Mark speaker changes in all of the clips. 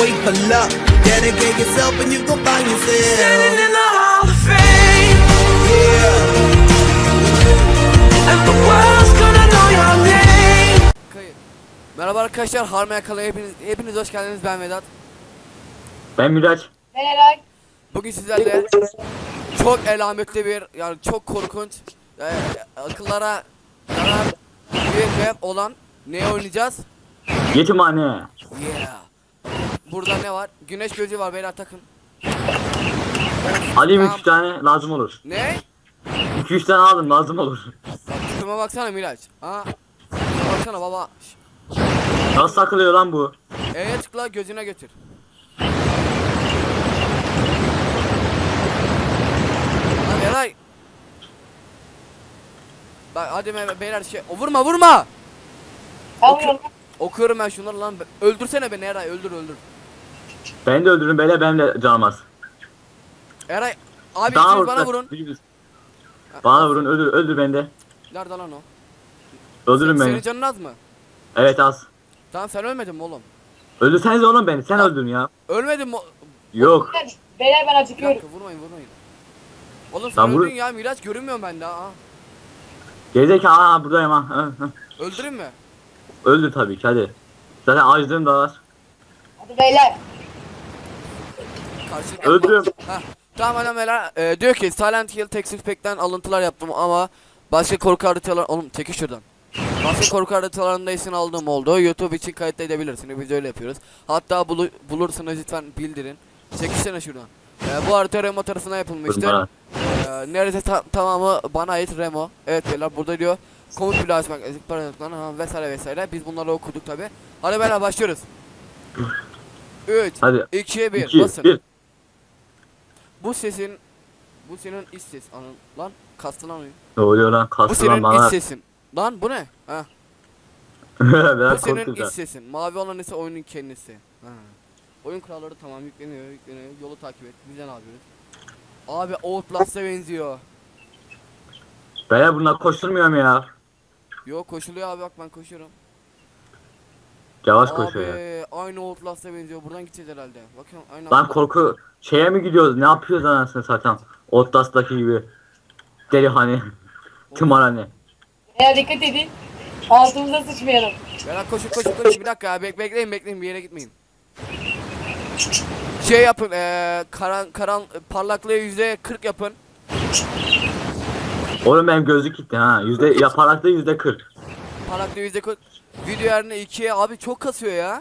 Speaker 1: wait for luck. Dedicate yourself and you gon' find yourself
Speaker 2: Standing in the Hall of Fame. And the world's gonna know your name.
Speaker 3: Merhaba arkadaşlar, Harmaya Kala'ya hepiniz hoş geldiniz. Ben Vedat.
Speaker 4: Ben Miraç.
Speaker 5: Ben Eray.
Speaker 3: Bugün sizlerle çok elametli bir, yani çok korkunç, akıllara zarar bir olan ne oynayacağız?
Speaker 4: Yetimhane.
Speaker 3: Yeah. Burada ne var? Güneş gözü var, beyler takın.
Speaker 4: Alayım
Speaker 3: Tamam.
Speaker 4: 3 tane lazım olur.
Speaker 3: Ne?
Speaker 4: 2-3 tane aldım lazım olur.
Speaker 3: Tıkıma baksana Miraç. Ha? Tıkıma baksana baba.
Speaker 4: Nasıl takılıyor lan bu?
Speaker 3: Tıkla, gözüne götür. Hadi Eray. Bak hadi beyler vurma vurma.
Speaker 5: Tamam.
Speaker 3: Okuyorum ben şunları lan. Öldürsene beni Eray, öldür.
Speaker 4: Beni de öldürün beyler, benim de canım az.
Speaker 3: Eray abi
Speaker 4: Daha
Speaker 3: siz bana vurun.
Speaker 4: Bana vurun, öldür beni de.
Speaker 3: Nerede lan o?
Speaker 4: Öldürün
Speaker 3: Senin
Speaker 4: beni.
Speaker 3: canın az mı?
Speaker 4: Evet az.
Speaker 3: Tamam sen ölmedin mi oğlum?
Speaker 4: Öldürsenize oğlum beni, sen öldürün ya.
Speaker 3: Ölmedin mi?
Speaker 4: Yok.
Speaker 5: Beyler ben
Speaker 3: Bir
Speaker 5: acıkıyorum.
Speaker 3: dakika vurmayın. Oğlum sen
Speaker 4: Lan vur.
Speaker 3: öldün ya Miraç, görünmüyorum ben daha.
Speaker 4: Gerizekalı, ha buradayım ha.
Speaker 3: Öldüreyim mi?
Speaker 4: Öldür tabii ki, hadi. Zaten acılığım da var.
Speaker 5: Hadi beyler.
Speaker 3: Karşılıklı.
Speaker 4: Öldürüyorum.
Speaker 3: Heh. Tamam adam beyler, diyor ki Silent Hill Texas Pack'ten alıntılar yaptım ama başka korku haritalar... Oğlum çekil şuradan. Başka korku haritalarında isim aldığım oldu. YouTube için kayıt edebilirsiniz. Biz öyle yapıyoruz. Hatta bulursanız lütfen bildirin. Çekilsene şuradan. Bu harita Remo tarafından yapılmıştır. Neredeyse tamamı bana ait Remo. Evet beyler, burada diyor komut bile açmak vesaire. Biz bunları okuduk tabi. Hadi beyler başlıyoruz. 3
Speaker 4: Hadi.
Speaker 3: 2 1
Speaker 4: 2,
Speaker 3: basın.
Speaker 4: 1.
Speaker 3: Bu senin iç ses anın lan, kastı lan oyun.
Speaker 4: Ne oluyor lan,
Speaker 3: Bu
Speaker 4: kastı lan
Speaker 3: senin
Speaker 4: bana.
Speaker 3: iç sesin. Lan bu ne? Ha. Bu
Speaker 4: Biraz
Speaker 3: senin
Speaker 4: korktum
Speaker 3: iç
Speaker 4: da.
Speaker 3: sesin. Mavi olan ise oyunun kendisi. Ha. Oyun kuralları tamam, yükleniyor. Yolu takip et. Biz de ne yapıyoruz? Abi Outlast'a benziyor.
Speaker 4: Beyler bunlar koşturmuyorum ya.
Speaker 3: Yok koşuluyor abi, bak ben koşuyorum.
Speaker 4: Yavaş
Speaker 3: Abi
Speaker 4: koşuyor ya.
Speaker 3: aynı Outlast'a benziyor. Buradan gideceğiz herhalde. Bakın aynı.
Speaker 4: Lan korku şeye mi gidiyoruz? Ne yapıyoruz anasını satayım? Outlast'taki gibi. Deli hani. Tımarhane.
Speaker 5: Beyler dikkat edin. Altımıza sıçmayalım.
Speaker 3: Beyler koşun. Bir dakika ya, bekleyin bir yere gitmeyin. Şey yapın, parlaklığı %40 yapın.
Speaker 4: Oğlum benim gözlük gitti ha. Parlaklığı %40.
Speaker 3: Parlaklığı %40. Video yerine 2'ye abi, çok kasıyor ya.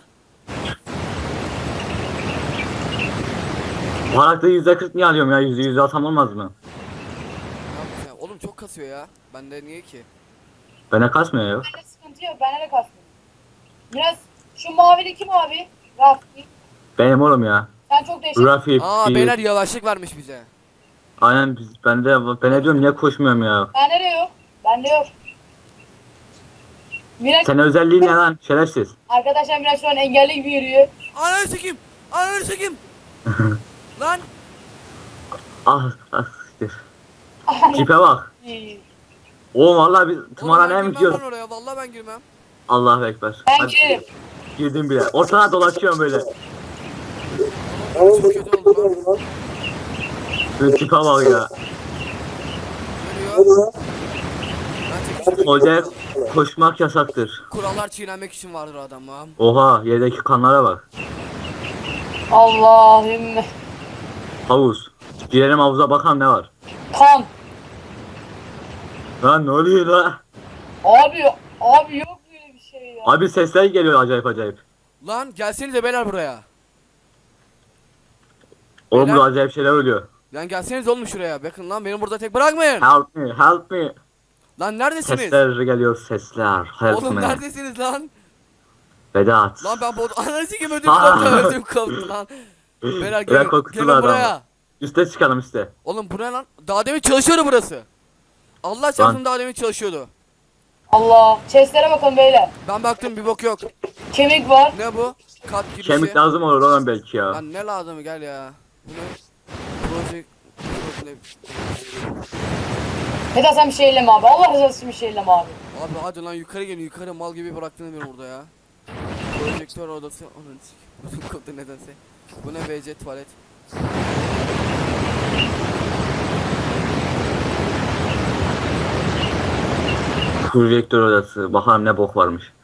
Speaker 4: Parlaklığı %40 niye alıyorum ya? %100 alsam olmaz mı?
Speaker 3: Ne yapayım ya? Oğlum çok kasıyor ya. Bende niye ki?
Speaker 4: Bana kasmıyor ya.
Speaker 5: Bende sıkıntı yok. Bende de kasmıyor. Biraz şu mavili kim abi? Rafi.
Speaker 4: Benim oğlum ya.
Speaker 5: Sen çok değişik.
Speaker 4: Rafi.
Speaker 3: Beyler yavaşlık vermiş bize.
Speaker 4: Aynen ben ne diyorum, niye koşmuyorum ya?
Speaker 5: Bende de yok. Bende yok. Miraç,
Speaker 4: Senin özelliğin ne lan? Şerefsiz.
Speaker 5: arkadaşlar Miraç şu an engelli gibi yürüyor.
Speaker 3: Ananı sikeyim. Lan.
Speaker 4: Ah siktir. Tipe bak. Oğlum vallahi biz tımarhaneye mi gidiyoruz?
Speaker 3: Ben oraya vallahi ben girmem.
Speaker 4: Allahu ekber.
Speaker 5: Ben
Speaker 4: Hadi,
Speaker 5: girerim.
Speaker 4: girdim bile. Ortada dolaşıyorum böyle.
Speaker 3: Çok kötü oldu lan.
Speaker 4: Böyle tipe bak ya.
Speaker 3: Görüyor. Ben çekiştim.
Speaker 4: Hocaya koşmak yasaktır.
Speaker 3: Kurallar çiğnenmek için vardır adamım.
Speaker 4: Oha, yerdeki kanlara bak.
Speaker 5: Allahümme.
Speaker 4: Havuz. Girelim havuza, bakalım ne var.
Speaker 5: Kan.
Speaker 4: Lan ne oluyor lan?
Speaker 5: Abi yok böyle bir şey ya.
Speaker 4: Abi sesler geliyor acayip.
Speaker 3: Lan gelsenize beyler buraya.
Speaker 4: Oğlum
Speaker 3: Beyler.
Speaker 4: burada acayip şeyler oluyor.
Speaker 3: Lan gelseniz oğlum şuraya. Bakın lan, beni burada tek bırakmayın.
Speaker 4: Help me.
Speaker 3: Lan neredesiniz?
Speaker 4: Sesler geliyor, sesler. Help
Speaker 3: Oğlum
Speaker 4: me.
Speaker 3: neredesiniz lan?
Speaker 4: Vedat.
Speaker 3: Lan ben ananı sikeyim,
Speaker 4: Aa.
Speaker 3: ödüm koptu lan. Beyler
Speaker 4: Bırak
Speaker 3: gelin
Speaker 4: korkutular
Speaker 3: buraya.
Speaker 4: adamı. Üste çıkalım üste.
Speaker 3: Oğlum bu ne lan? Daha demin çalışıyordu burası. Allah çarpsın, daha demin çalışıyordu.
Speaker 5: Allah. Chestlere bakın beyler.
Speaker 3: Ben baktım, bir bok yok.
Speaker 5: Kemik var.
Speaker 3: Ne bu? Kat girişi.
Speaker 4: Kemik lazım olur oğlum belki ya.
Speaker 3: Lan ne lazım, gel ya. Bu ne? Project.
Speaker 5: Vedat sen bir şey elleme abi. Allah rızası için bir şey elleme abi.
Speaker 3: Abi hadi lan yukarı gelin, yukarı mal gibi bıraktınız beni burada ya. Projektör odası. Ananı sikeyim. Bütün kodu nedense. Bu ne WC tuvalet.
Speaker 4: Projektör odası. Bakalım ne bok varmış.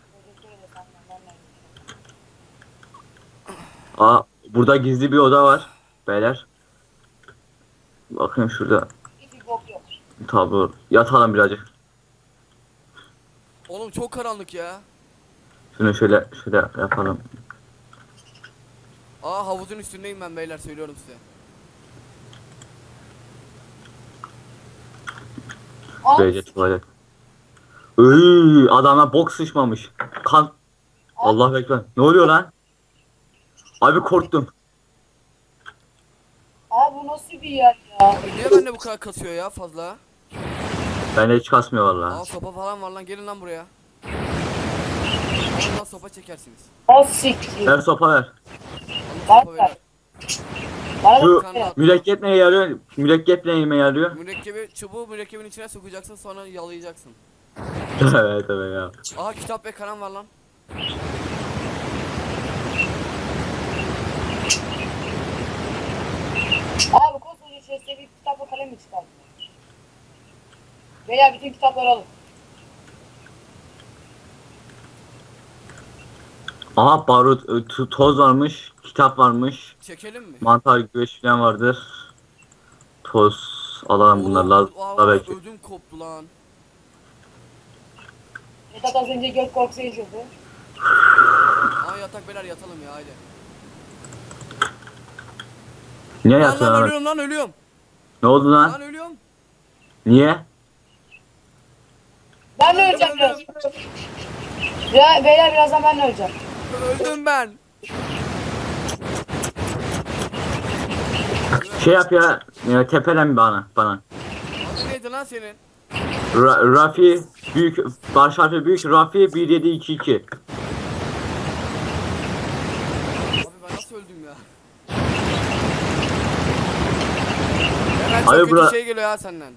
Speaker 4: Aa, burada gizli bir oda var. Beyler. Bakayım şurada.
Speaker 5: Hiçbir bok yok.
Speaker 4: Tabi yatalım birazcık.
Speaker 3: Oğlum çok karanlık ya.
Speaker 4: Şunu şöyle yapalım.
Speaker 3: Aa havuzun üstündeyim ben beyler söylüyorum size.
Speaker 4: Böylece tuvalet. Iııı, adama bok sıçmamış. Kan. Allah bekler. Ne oluyor lan? Abi korktum.
Speaker 5: Abi bu nasıl bir yer ya?
Speaker 3: Niye bende bu kadar kasıyor ya fazla?
Speaker 4: Bende hiç kasmıyor
Speaker 3: Aa
Speaker 4: vallahi.
Speaker 3: sopa falan var lan gelin lan buraya. Ondan sopa çekersiniz.
Speaker 5: O siktir.
Speaker 4: Ver sopa ver.
Speaker 3: Alın sopa beyler.
Speaker 5: Bana
Speaker 4: Şu
Speaker 5: bak ya.
Speaker 4: mürekkep neye yarıyor? Mürekkep neyime yarıyor?
Speaker 3: Mürekkebi çubuğu mürekkebin içine sokacaksın sonra yalayacaksın.
Speaker 4: Evet evet ya.
Speaker 3: Aha kitap ve kalem var lan.
Speaker 5: Abi koskoca chest'e bir kitapla kalem mi çıkardın? Beyler bütün kitapları alın.
Speaker 4: Aha barut, toz varmış, kitap varmış,
Speaker 3: Çekelim mi?
Speaker 4: mantar güveç falan vardır. Toz alalım bunları lazım da belki.
Speaker 3: Ödüm koptu lan.
Speaker 5: Vedat az önce göt korkusu yaşadı.
Speaker 3: Aa yatak beyler yatalım ya haydi.
Speaker 4: Niye
Speaker 3: Lan lan
Speaker 4: yatıyorsun?
Speaker 3: ölüyorum lan ölüyorum.
Speaker 4: Ne oldu
Speaker 3: Lan
Speaker 4: lan?
Speaker 3: ölüyorum.
Speaker 4: Niye?
Speaker 5: Ben de öleceğim biraz. Ya, beyler birazdan ben de öleceğim.
Speaker 3: Öldüm ben.
Speaker 4: Şey yap ya, tepelen bana.
Speaker 3: Adı neydi lan senin?
Speaker 4: Rafi büyük, baş harfi büyük, Rafi 1722.
Speaker 3: Abi ben nasıl öldüm ya? Hemen çok
Speaker 4: Abi
Speaker 3: kötü
Speaker 4: bura-
Speaker 3: şey geliyor ya senden.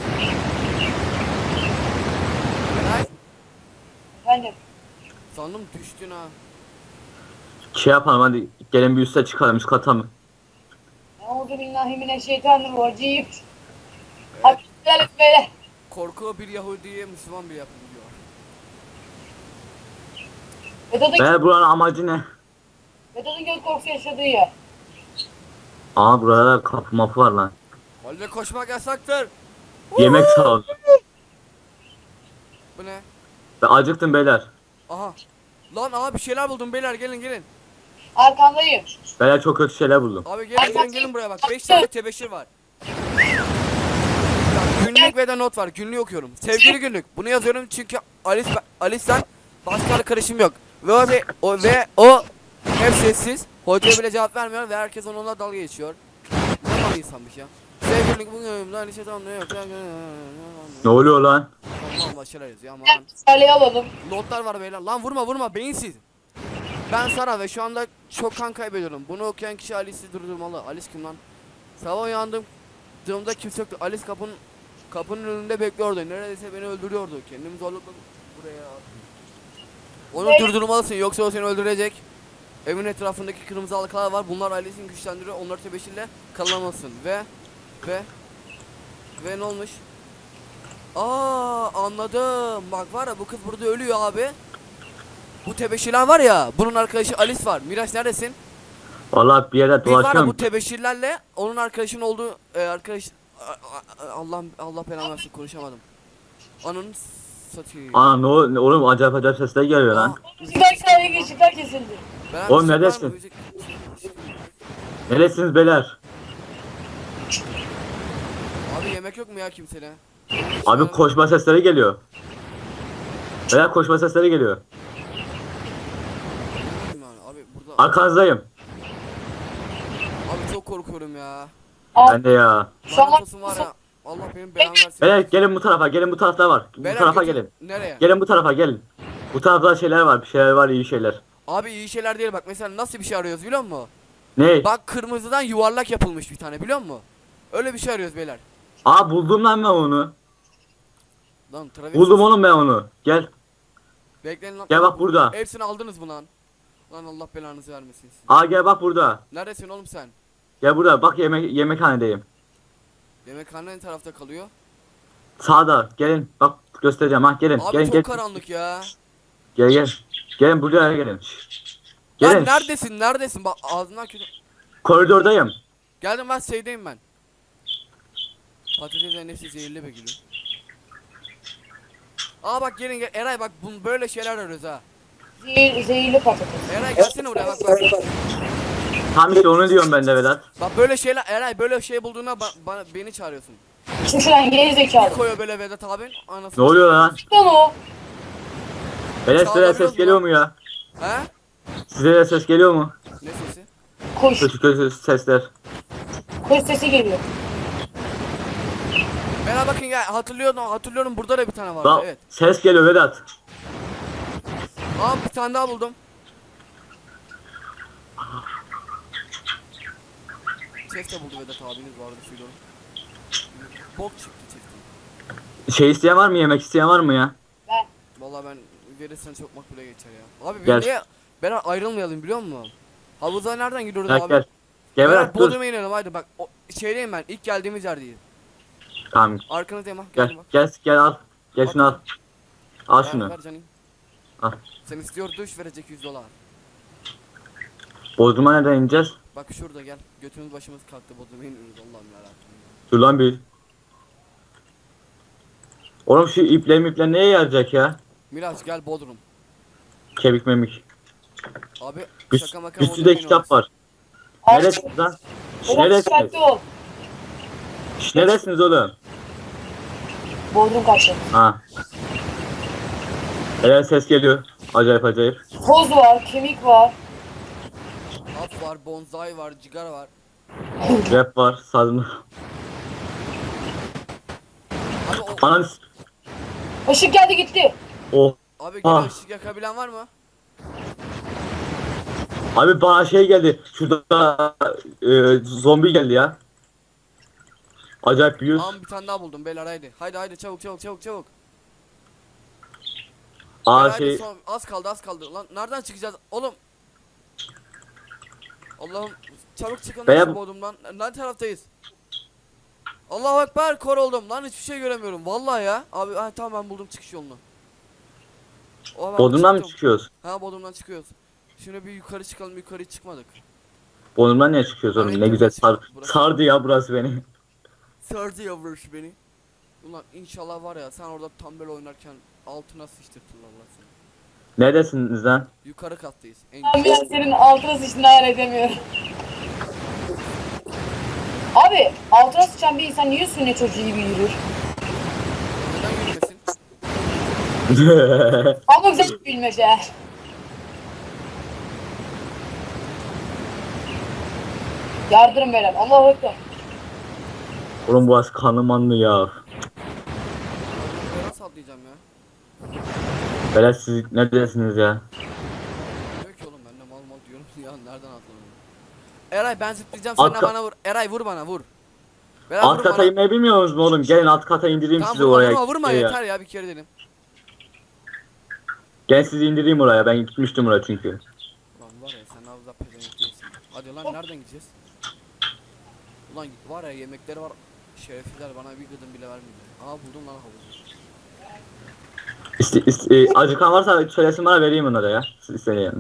Speaker 3: Eray,
Speaker 5: Efendim.
Speaker 3: sandım düştün ha.
Speaker 4: Şey yapalım hadi gelin bir üste çıkalım, üst kata mı?
Speaker 5: Euzubillahimineşşeytanirracim. Hadi gidelim beyler.
Speaker 3: Korku bir Yahudi'ye Müslüman bir yapım diyor.
Speaker 4: Be buranın amacı ne?
Speaker 5: Vedat'ın göt korkusu yaşadığı yer.
Speaker 4: Aa burada kapı mapı var lan.
Speaker 3: Halde koşmak yasaktır.
Speaker 4: Yemek sağ ol.
Speaker 3: Bu ne?
Speaker 4: Ben acıktım beyler.
Speaker 3: Aha. Lan aha bir şeyler buldum beyler gelin gelin.
Speaker 5: Arkandayım.
Speaker 4: Beyler çok kötü şeyler buldum.
Speaker 3: Abi gelin buraya bak 5 tane tebeşir var. Bak, günlük ve de not var günlüğü okuyorum. Sevgili günlük bunu yazıyorum çünkü Alice'den başka karışım yok. Ve o hep sessiz. Hocaya bile cevap vermiyor ve herkes onunla dalga geçiyor. Ne mal insanmış ya. Sevgili günlük bugün önümde Alice tamam yok.
Speaker 4: Ne oluyor lan?
Speaker 3: Aman başarılar yazıyor aman.
Speaker 5: Saleyi alalım.
Speaker 3: Notlar var beyler. Lan vurma beyinsiz. Ben Sara ve şu anda çok kan kaybediyorum. Bunu okuyan kişi Alice'i durdurmalı. Alice kim lan? Sabah uyandığımda kimse yoktu. Alice kapının önünde bekliyordu. Neredeyse beni öldürüyordu. Kendimi zorladım buraya. Onu durdurmalısın yoksa o seni öldürecek. Evin etrafındaki kırmızı halkalar var. Bunlar Alice'in güçlendiriyor. Onları tebeşirle kalamasın. Ve ne olmuş? Aa anladım. Bak var ya bu kız burada ölüyor abi. Bu tebeşirler var ya. Bunun arkadaşı Alice var. Miraç neredesin?
Speaker 4: Vallahi bir yere
Speaker 3: Biz var ya
Speaker 4: dolaşıyorum.
Speaker 3: bu tebeşirlerle onun arkadaşın olduğu arkadaş Allah belanı versin konuşamadım. Ananı satayım.
Speaker 4: Aa oğlum acayip sesler geliyor lan.
Speaker 5: Işıklar kesildi.
Speaker 3: Ben
Speaker 4: Oğlum,
Speaker 3: müzik var mı?
Speaker 4: neredesin?
Speaker 3: Müzik-
Speaker 4: Neresiniz beyler?
Speaker 3: Abi yemek yok mu ya kimsene?
Speaker 4: Abi koşma sesleri geliyor. Beyler koşma sesleri geliyor.
Speaker 3: Abi burada
Speaker 4: Arkanızdayım.
Speaker 3: abi çok korkuyorum ya.
Speaker 4: Ben de ya.
Speaker 5: Şu an-
Speaker 3: Lanet olsun var ya. Allah benim belamı versin.
Speaker 4: Beyler gelin bu tarafa, gelin bu tarafta var. Bu
Speaker 3: Beyler
Speaker 4: tarafa
Speaker 3: götür-
Speaker 4: gelin.
Speaker 3: Nereye?
Speaker 4: Gelin bu tarafa gelin. Bu tarafta şeyler var, bir şeyler var, iyi şeyler.
Speaker 3: Abi iyi şeyler değil bak mesela nasıl bir şey arıyoruz biliyor musun?
Speaker 4: Ne?
Speaker 3: Bak kırmızıdan yuvarlak yapılmış bir tane biliyor musun? Öyle bir şey arıyoruz beyler.
Speaker 4: Aa buldum lan ben onu.
Speaker 3: Lan Travis.
Speaker 4: Buldum oğlum ben onu. Gel.
Speaker 3: Bekleyin lan.
Speaker 4: Gel bak burada.
Speaker 3: Hepsini aldınız mı lan? Lan Allah belanızı vermesin.
Speaker 4: Aa gel bak burada.
Speaker 3: Neredesin oğlum sen?
Speaker 4: Gel burada bak yemekhanedeyim.
Speaker 3: Yemekhane ne tarafta kalıyor?
Speaker 4: Sağda gelin bak göstereceğim ha gelin.
Speaker 3: Abi
Speaker 4: gelin
Speaker 3: çok
Speaker 4: gel.
Speaker 3: karanlık ya.
Speaker 4: Gel. Gelin buraya gelin.
Speaker 3: Lan
Speaker 4: Gelin.
Speaker 3: neredesin? Bak ağzından kötü.
Speaker 4: Koridordayım.
Speaker 3: Geldim ben şeydeyim ben. Patates nefsi zehirli be gülüm. Aa bak gelin Eray bak böyle şeyler arıyoruz ha.
Speaker 5: Zehirli patates.
Speaker 3: Eray gelsene buraya bak.
Speaker 4: Tam işte onu diyorum ben de Vedat.
Speaker 3: Bak böyle şeyler Eray böyle şey bulduğuna beni çağırıyorsun.
Speaker 5: Şu şuradan geri zekalı.
Speaker 3: Koyuyor böyle Vedat abin. Anasını.
Speaker 4: Ne oluyor lan?
Speaker 5: Lan o.
Speaker 4: Vedat size de
Speaker 3: Çağırıyoruz
Speaker 4: ses
Speaker 3: mu
Speaker 4: geliyor
Speaker 3: lan?
Speaker 4: mu ya?
Speaker 3: He?
Speaker 4: Size de ses geliyor mu?
Speaker 3: Ne sesi?
Speaker 5: Kuş.
Speaker 4: Kötü sesler.
Speaker 5: Kuş sesi geliyor.
Speaker 3: Bana bakın ya hatırlıyorum burada da bir tane vardı
Speaker 4: Lan
Speaker 3: evet.
Speaker 4: ses geliyor Vedat.
Speaker 3: Aa bir tane daha buldum. Chest de buldu Vedat abiniz vardı söylüyorum. Bok çıktı chest'in.
Speaker 4: Şey isteyen var mı? Yemek isteyen var mı ya?
Speaker 5: Ben.
Speaker 3: Vallahi ben verirsen çok makbule geçer ya. Abi
Speaker 4: Gel.
Speaker 3: niye ben ayrılmayalım biliyor musun? Havuza nereden gidiyoruz
Speaker 4: Gel
Speaker 3: abi?
Speaker 4: gel. Gel
Speaker 3: Beyler
Speaker 4: Vedat dur.
Speaker 3: Bodrum'a inelim haydi bak. Şeydeyim ben ilk geldiğimiz yerdeyiz.
Speaker 4: Tamam
Speaker 3: Arkanızdayım ha.
Speaker 4: gel
Speaker 3: Geldim bak.
Speaker 4: gel al. Gel şunu al. Al şunu.
Speaker 3: Ver canım.
Speaker 4: Al.
Speaker 3: Sen istiyor duş verecek $100.
Speaker 4: Bodrum'a nereden ineceğiz?
Speaker 3: Bak şurada gel. Götümüz başımız kalktı Bodrum'a iniyoruz Allah'ım yarabbim.
Speaker 4: Dur lan bir. Oğlum şu ipler neye yarayacak ya?
Speaker 3: Miraç gel Bodrum.
Speaker 4: Kemik memik.
Speaker 3: Abi
Speaker 4: Üst,
Speaker 3: şaka maka
Speaker 4: üstünde
Speaker 3: Bodrum'a
Speaker 4: kitap
Speaker 3: iniyoruz.
Speaker 4: var.
Speaker 5: Abi,
Speaker 4: Neresiniz lan?
Speaker 5: Vedat
Speaker 4: Neresiniz?
Speaker 5: dikkatli ol.
Speaker 4: Neresiniz oğlum?
Speaker 5: Bodrum kaçtı.
Speaker 4: Ha. Evet ses geliyor. Acayip.
Speaker 5: Toz var, kemik var.
Speaker 3: Hap var, bonsai var, cigara var.
Speaker 4: Rap var. Sazın.
Speaker 3: Abi o
Speaker 4: Ananı
Speaker 5: Işık geldi gitti.
Speaker 4: Oh.
Speaker 3: abi gene
Speaker 4: Ah.
Speaker 3: ışık yakabilen var mı?
Speaker 4: Abi bana şey geldi. Şurada zombi geldi ya. Acayip büyük.
Speaker 3: Tamam bir tane daha buldum beyler haydi. Haydi çabuk.
Speaker 4: Aa
Speaker 3: Haydi,
Speaker 4: şey.
Speaker 3: az kaldı. Lan nereden çıkacağız oğlum? Allah'ım çabuk çıkın
Speaker 4: Beyler-
Speaker 3: lan şu Bodrum'dan. Ne taraftayız? Allahu Ekber kor oldum lan hiçbir şey göremiyorum vallahi ya. Abi tamam ben buldum çıkış yolunu. Ben
Speaker 4: Bodrum'dan mı
Speaker 3: çıktım.
Speaker 4: çıkıyoruz?
Speaker 3: Ha Bodrum'dan çıkıyoruz. Şimdi bir yukarı çıkalım yukarı çıkmadık.
Speaker 4: Bodrum'dan niye çıkıyoruz oğlum? Ne güzel
Speaker 3: Burası-
Speaker 4: sardı ya burası beni.
Speaker 3: Sardı yavruş beni. Ulan inşallah var ya sen orada tam böyle oynarken altına sıçtırtırlar lan seni.
Speaker 4: Neredesiniz lan?
Speaker 3: Yukarı kattayız. En
Speaker 5: Ben biraz senin altına sıçtığını hayal edemiyorum. Abi altına sıçan bir insan niye sünnet çocuğu gibi yürür?
Speaker 3: neden yürümesin?
Speaker 5: Ama güzel bir bilmece. Yardırın beyler. Allahu Ekber.
Speaker 4: Oğlum burası kanlı manlı ya.
Speaker 3: Ben nasıl atlayacağım ya?
Speaker 4: Böyle siz neredesiniz ya?
Speaker 3: Diyor ki oğlum ben de mal diyorum ya nereden atlanıyorum? Eray ben zıplayacağım sen de
Speaker 4: Arka-
Speaker 3: bana vur. Eray vur bana vur. Berat
Speaker 4: Alt
Speaker 3: vur
Speaker 4: kata
Speaker 3: bana.
Speaker 4: inmeyi bilmiyor musunuz oğlum? Gelin alt kata indireyim
Speaker 3: Tamam
Speaker 4: sizi
Speaker 3: vurma
Speaker 4: oraya.
Speaker 3: vurma
Speaker 4: Ya.
Speaker 3: yeter ya bir kere dedim.
Speaker 4: Gel sizi indireyim oraya. Ben gitmiştim oraya çünkü.
Speaker 3: Ulan var ya sen ağzına pezevenk değilsin. Hadi lan nereden gideceğiz? Ulan var ya yemekleri var. Şerefsizler bana bir gıdım bile vermiyor. Aa buldum lan havuzu.
Speaker 4: Acıkan varsa söylesin bana vereyim onlara ya. Siz isteyin yani.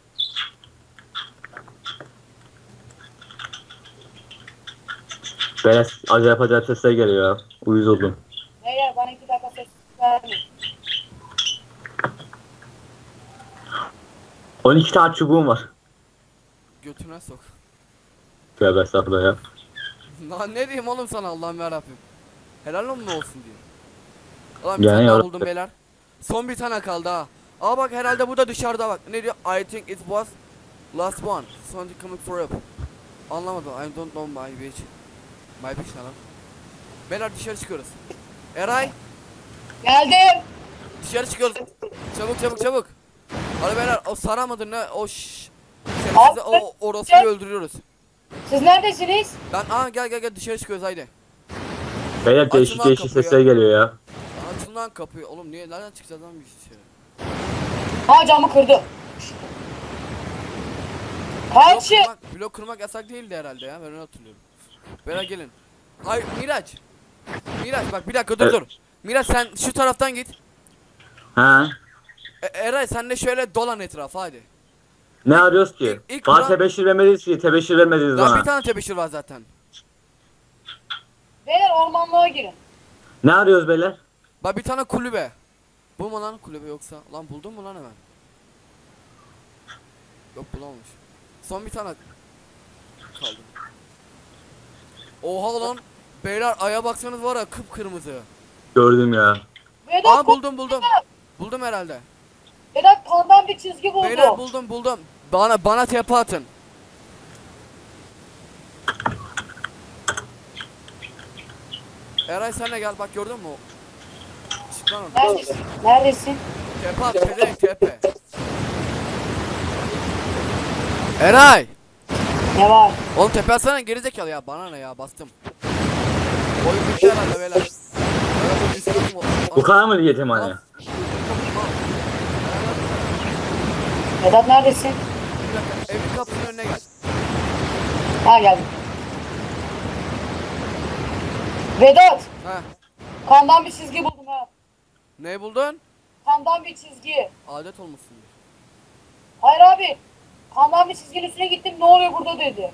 Speaker 4: Böyle acayip sesler geliyor ya. Uyuz oldum.
Speaker 5: Beyler bana 2 dakika ses vermeyin.
Speaker 4: 12 tane çubuğum var.
Speaker 3: Götüne sok.
Speaker 4: Tövbe estağfurullah ya.
Speaker 3: Lan ne diyeyim oğlum sana Allah'ım yarabbim. Helal olsun diyor. Ulan bir
Speaker 4: Yani
Speaker 3: tane daha
Speaker 4: yarabbim.
Speaker 3: buldum beyler. Son bir tane kaldı ha. Aa bak herhalde bu da dışarıda bak. Ne diyor? I think it was last one. Something coming for up. Anlamadım. I don't know my bitch. My bitch ne lan? Beyler dışarı çıkıyoruz. Eray
Speaker 5: Geldim.
Speaker 3: dışarı çıkıyoruz. Çabuk. Hadi beyler o Sara mıdır ne? O şşş.
Speaker 5: Abi,
Speaker 3: O orospuyu öldürüyoruz.
Speaker 5: Siz neredesiniz?
Speaker 3: Gel dışarı çıkıyoruz haydi.
Speaker 4: Beyler
Speaker 3: Açın
Speaker 4: değişik
Speaker 3: lan
Speaker 4: değişik
Speaker 3: kapıyı
Speaker 4: sesler geliyor ya.
Speaker 3: Açın lan kapıyı. Oğlum niye nereden çıkacağız lan biz içeri?
Speaker 5: Ha camı kırdı. Kaçın.
Speaker 3: Blok kırmak yasak değildi herhalde ya. Ben öyle hatırlıyorum. Beyler gelin. Ay Miraç. Miraç bak bir dakika dur
Speaker 4: Evet.
Speaker 3: dur. Miraç sen şu taraftan git.
Speaker 4: Ha?
Speaker 3: Eray sen de şöyle dolan etrafa hadi.
Speaker 4: Ne arıyoruz ki?
Speaker 3: İlk
Speaker 4: Bana
Speaker 3: Kur'an-
Speaker 4: tebeşir vermediniz ki. Tebeşir vermediniz
Speaker 3: Lan bir
Speaker 4: bana.
Speaker 3: tane tebeşir var zaten.
Speaker 5: Beyler ormanlığa girin.
Speaker 4: Ne arıyoruz beyler?
Speaker 3: Bak bir tane kulübe. Bu mu lan kulübe yoksa? Lan buldun mu lan hemen? Yok bulamamış. Son bir tane kaldı. Oha lan. Beyler aya baksanız var ya kıpkırmızı.
Speaker 4: Gördüm ya.
Speaker 5: Vedat,
Speaker 3: Aa buldum buldum. Buldum herhalde.
Speaker 5: Vedat kandan bir çizgi buldu.
Speaker 3: Beyler buldum. Bana tepe atın. Eray sen de gel bak gördün mü? Çık lan oradan.
Speaker 5: Neredesin? Neredesin?
Speaker 3: Tepe at pezevenk tepe. Eray!
Speaker 5: Ne var?
Speaker 3: Oğlum tepe atsana gerizekalı ya bana ne ya bastım. Oyun bitti herhalde beyler. Evet, o üst kapım o-
Speaker 4: Bu kadar mı yetimhane?
Speaker 5: Vedat neredesin?
Speaker 3: Bir dakika evin kapısının önüne gel.
Speaker 5: Ha geldim. Vedat
Speaker 3: Ha.
Speaker 5: kandan bir çizgi buldum ha.
Speaker 3: Ne buldun?
Speaker 5: Kandan bir çizgi.
Speaker 3: Adet olmuşsundur.
Speaker 5: Hayır abi. Kandan bir çizginin üstüne gittim ne oluyor burada dedi.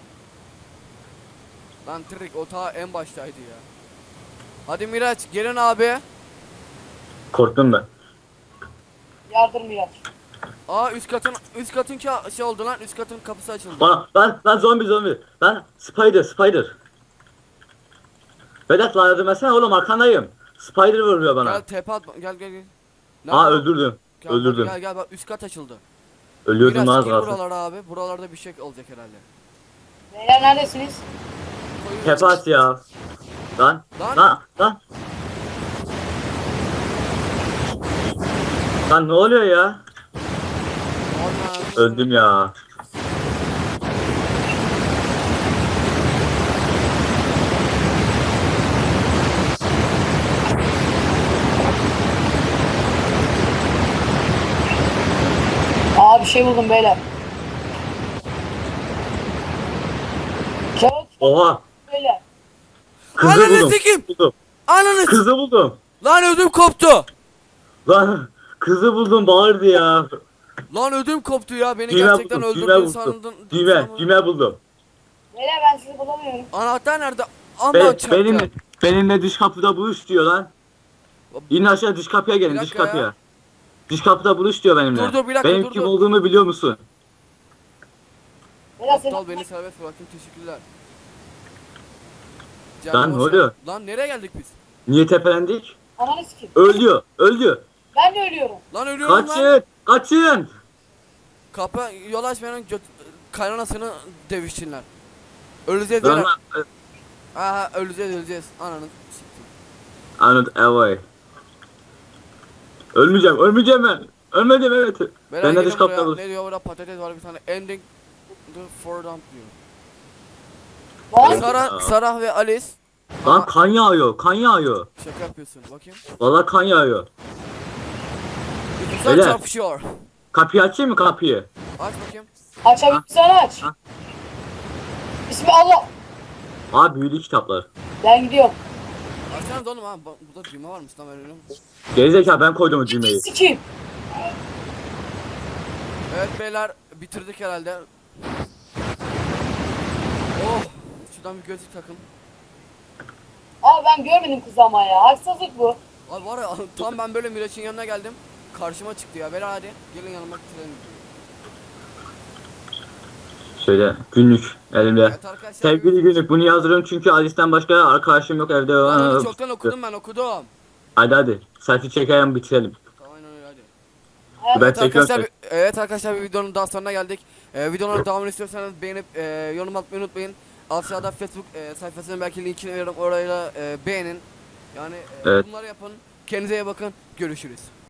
Speaker 3: Lan trik o ta en baştaydı ya. Hadi Miraç gelin abi.
Speaker 4: Korktum ben.
Speaker 5: Yardır Miraç.
Speaker 3: Aa üst katın şey oldu lan üst katın kapısı açıldı.
Speaker 4: Lan zombi. Lan spider. Vedat lan yardım etsene oğlum arkandayım. Spider vuruyor bana.
Speaker 3: Gel tepe at gel.
Speaker 4: Aa öldürdüm.
Speaker 3: Gel,
Speaker 4: Öldürdüm.
Speaker 3: Gel bak üst kat açıldı.
Speaker 4: Ölüyordum
Speaker 3: Miraç
Speaker 4: lan
Speaker 3: gir
Speaker 4: az
Speaker 3: buralara abi. Buralarda bir şey olacak herhalde.
Speaker 5: Beyler neredesiniz?
Speaker 4: Tepe at ya. Lan. Lan ne oluyor ya?
Speaker 3: Orman.
Speaker 4: Öldüm ya.
Speaker 5: Aa bir şey buldum beyler. Kağıt
Speaker 4: Oha.
Speaker 5: beyler.
Speaker 4: Kızı
Speaker 3: Ananı
Speaker 4: buldum.
Speaker 3: sikeyim.
Speaker 4: Buldum.
Speaker 3: Ananı
Speaker 4: Kızı buldum.
Speaker 3: Lan ödüm koptu.
Speaker 4: Lan kızı buldum bağırdı ya.
Speaker 3: Lan ödüm koptu ya beni
Speaker 4: Düğme
Speaker 3: gerçekten
Speaker 4: buldum.
Speaker 3: öldürdün sandın.
Speaker 4: Düğme buldum.
Speaker 5: Beyler ben sizi bulamıyorum.
Speaker 3: Anahtar nerede? Aman
Speaker 4: Be,
Speaker 3: çarptı.
Speaker 4: benimle dış kapıda buluş diyor lan. İn aşağı dış kapıya gelin
Speaker 3: Bir
Speaker 4: dış
Speaker 3: dakika
Speaker 4: kapıya.
Speaker 3: ya.
Speaker 4: Dış kapıda buluş diyor benimle.
Speaker 3: Dur, bir dakika,
Speaker 4: Benim
Speaker 3: dur,
Speaker 4: kim
Speaker 3: dur.
Speaker 4: olduğumu biliyor musun?
Speaker 5: Beyler seni
Speaker 3: Aptal beni serbest bırakın teşekkürler.
Speaker 4: Lan
Speaker 3: Canım
Speaker 4: ne
Speaker 3: hoş
Speaker 4: oluyor?
Speaker 3: geldin. Lan nereye geldik biz?
Speaker 4: Niye tepelendik?
Speaker 5: ananı sikeyim.
Speaker 4: Öldü.
Speaker 5: Ben de ölüyorum.
Speaker 3: Lan ölüyorum lan.
Speaker 4: Kaçın.
Speaker 3: Kapı yol açmayanın kaynanasını devişsinler. Öleceğiz
Speaker 4: Lan
Speaker 3: beyler.
Speaker 4: lan.
Speaker 3: Aha öleceğiz. Ananı siktim.
Speaker 4: Anlat evay. Ölmeyeceğim ben. Ölmedim evet.
Speaker 3: Beyler
Speaker 4: Ben de
Speaker 3: gelin
Speaker 4: dış kapıda
Speaker 3: buraya.
Speaker 4: buluş.
Speaker 3: Ne diyor burada patates var bir tane. Ending the for dump diyor.
Speaker 5: Lan
Speaker 3: Sarah ve Alice.
Speaker 4: Lan kan yağıyor.
Speaker 3: Şaka yapıyorsun bakayım.
Speaker 4: Vallahi kan yağıyor.
Speaker 3: Güzel
Speaker 4: Beyler.
Speaker 3: çarpışıyor.
Speaker 4: Kapıyı açayım mı kapıyı?
Speaker 3: Aç bakayım.
Speaker 5: açabilirsen aç.
Speaker 4: Ha.
Speaker 5: Bismillah.
Speaker 4: Aa büyülü kitaplar.
Speaker 5: Ben gidiyorum.
Speaker 3: Açsana oğlum ha. Burada düğme varmış lan ben öyle mi?
Speaker 4: Gerizekalı ben koydum o düğmeyi.
Speaker 5: Sikeyim.
Speaker 3: Evet beyler bitirdik herhalde. Oh. Şuradan bir gözlük takın.
Speaker 5: Abi ben görmedim kızı ama ya. Haksızlık bu.
Speaker 3: Abi var ya tam ben böyle Miraç'ın yanına geldim. Karşıma çıktı ya. Beyler hadi gelin yanıma bitirelim.
Speaker 4: Şöyle günlük elimde.
Speaker 3: Evet arkadaşlar.
Speaker 4: Sevgili günlük bunu yazıyorum çünkü Alice'den başka arkadaşım yok evde.
Speaker 3: Lan onu çoktan okudum ben okudum.
Speaker 4: Hadi. Selfie çekelim bitirelim.
Speaker 3: Tamam öyle hadi.
Speaker 4: Ben
Speaker 3: Evet
Speaker 4: çekiyorum.
Speaker 3: arkadaşlar, evet arkadaşlar bir videonun daha sonuna geldik. Videonun devamını istiyorsanız beğenip yorum atmayı unutmayın. Aşağıda Facebook sayfasının belki linkini veririm orayla beğenin. Yani
Speaker 4: Evet.
Speaker 3: bunları yapın. Kendinize iyi bakın. Görüşürüz.